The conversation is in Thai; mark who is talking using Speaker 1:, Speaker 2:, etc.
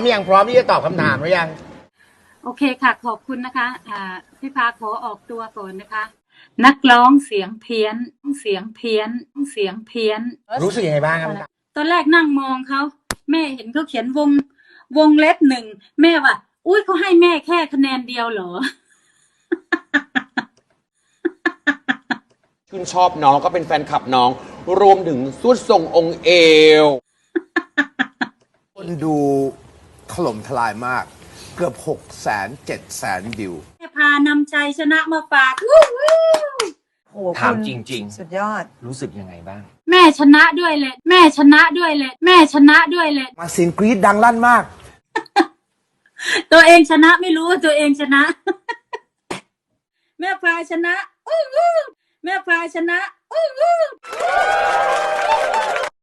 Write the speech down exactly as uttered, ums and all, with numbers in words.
Speaker 1: ยังพร้อมที่จะตอบคำถามหรือยัง
Speaker 2: โอเคค่ะขอบคุณนะคะอ่าพี่พาขอออกตัวก่อนนะคะนักร้องเสียงเพี้ยนเสียงเพี้ยนเสียงเพี้ยน
Speaker 1: รู้สึกยังไงบ้างครับ
Speaker 2: ตอนแรกนั่งมองเขาแม่เห็นเขาเขียนวงวงเล็บหนึ่งแม่ว่าอุ้ยเขาให้แม่แค่คะแนนเดียวเหรอ
Speaker 3: ชื่นชอบน้องก็เป็นแฟนคลับน้องรวมถึงสุดทรงองค์เอว
Speaker 4: คนดูถล่มทลายมากเกือบหกแสนเจ็ดแสนวิว
Speaker 2: แม่พานำใจชนะมาฝาก
Speaker 5: ถามจริงๆ
Speaker 6: สุดยอด
Speaker 5: รู้สึกยังไงบ้าง
Speaker 2: แม่ชนะด้วยเลยแม่ชนะด้วยเลยแม่ชนะด้วยเลย
Speaker 4: มาเสียงกรี๊ดดังลั่นมาก
Speaker 2: ตัวเองชนะไม่รู้ว่าตัวเองชนะแม่พาชนะแม่พาชนะ